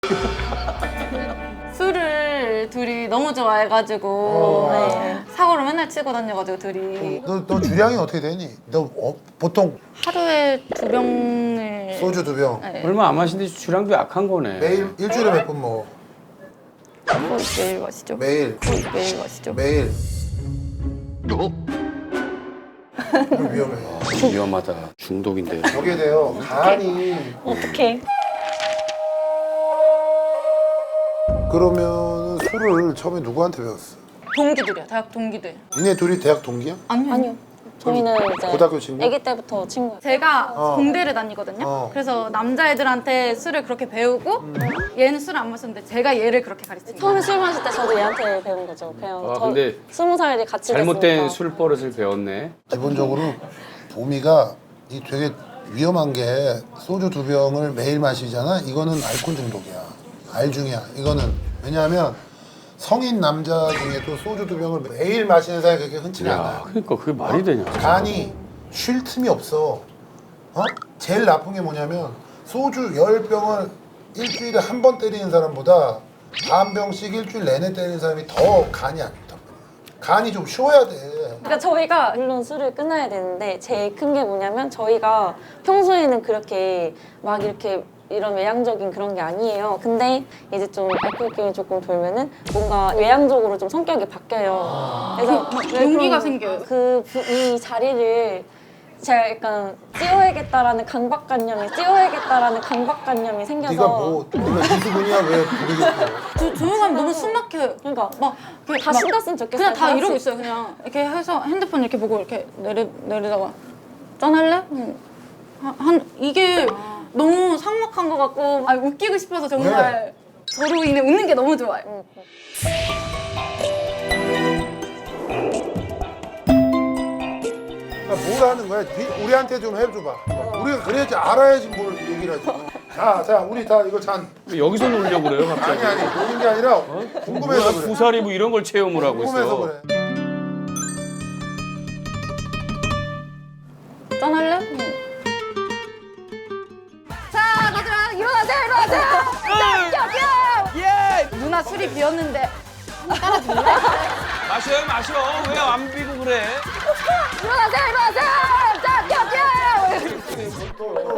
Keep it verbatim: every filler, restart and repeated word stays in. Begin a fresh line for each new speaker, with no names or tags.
술을 둘이 너무 좋아해가지고
어.
네. 사고를 맨날 치고 다녀가지고 둘이
너, 너 주량이 어떻게 되니? 너 어, 보통
하루에 두 병을
소주 두 병.
네.
얼마 안 마신데 주량도 약한 거네.
매일 일주일에 몇 번 먹어?
거의 매일 마시죠.
매일.
거의 매일 마시죠.
매일. 이거 위험해.
위험하다. 중독인데.
저게 돼요. 간이.
어떡해.
그러면 술을 처음에 누구한테 배웠어?
동기들이야. 대학 동기들.
니네 둘이 대학 동기야?
아니요.
아니요. 저희는 이제
고등학교 친구?
아기 때부터 친구예요.
제가
어.
공대를 다니거든요.
어.
그래서 남자애들한테 술을 그렇게 배우고 얘는 술을 안 마셨는데 제가 얘를 그렇게 가르친 거예요.
처음에 술 마실 때 저도 얘한테 배운 거죠. 그냥
아,
저
근데
스무 살이 같이
잘못된
됐으니까.
술 버릇을 배웠네.
기본적으로 보미가 이 되게 위험한 게 소주 두 병을 매일 마시잖아. 이거는 알코올 중독이야. 알중이야. 이거는 왜냐하면 성인 남자 중에도 소주 두 병을 매일 마시는 사람이 그렇게 흔치가
야,
않아요.
그러니까 그게 말이 되냐?
간이 쉴 틈이 없어. 어? 제일 나쁜 게 뭐냐면 소주 열 병을 일주일에 한 번 때리는 사람보다 반 병씩 일주일 내내 때리는 사람이 더 간이 안 좋단 말이야. 간이 좀 쉬어야 돼.
그러니까 저희가 물론 술을 끊어야 되는데 제일 큰 게 뭐냐면 저희가 평소에는 그렇게 막 이렇게 이런 외향적인 그런 게 아니에요. 근데 이제 좀 알코올 기운이 조금 돌면은 뭔가 외향적으로 좀 성격이 바뀌어요. 그래서 왜
용기가
그런-
생겨요.
그, 부- 이 자리를 제가 약간 찌워야겠다라는 강박관념이 찌워야겠다라는 강박관념이 생겨서
네가 뭐 네가 이수근이야 왜 부르겠어?
저 조용하면 너무 숨 막혀요.
그러니까
막 이렇게
다
막
신났으면 좋겠어요.
그냥 다
같이.
이러고 있어요. 그냥 이렇게 해서 핸드폰 이렇게 보고 이렇게 내리 내리다가 짠할래? 음. 한, 한 이게 너무 삭막한 것 같고 아 웃기고 싶어서 정말 저로 인해 웃는 게 너무 좋아요.
응.
그러니까 뭘 하는 거야? 네- 우리한테 좀 해줘봐. 우리가 그래야지 알아야지 뭘 얘기를 하지. 자, 자, 우리 다 이거 잔.
왜 여기서 놀려고 그래요, 갑자기?
아니 아니 노는 게 아니라 궁금해서
뭐야,
그래.
구사리 뭐 이런 걸 체험을 하고
궁금해서
있어.
그래.
짠할래? 음. 자, 가자 일어나세요, 일어나세요. 자, 예. 누나 술이 비었는데
마셔요, 마셔. 왜 안 비고 그래?
일어나세요, 일어나세요. 자, 자, 자.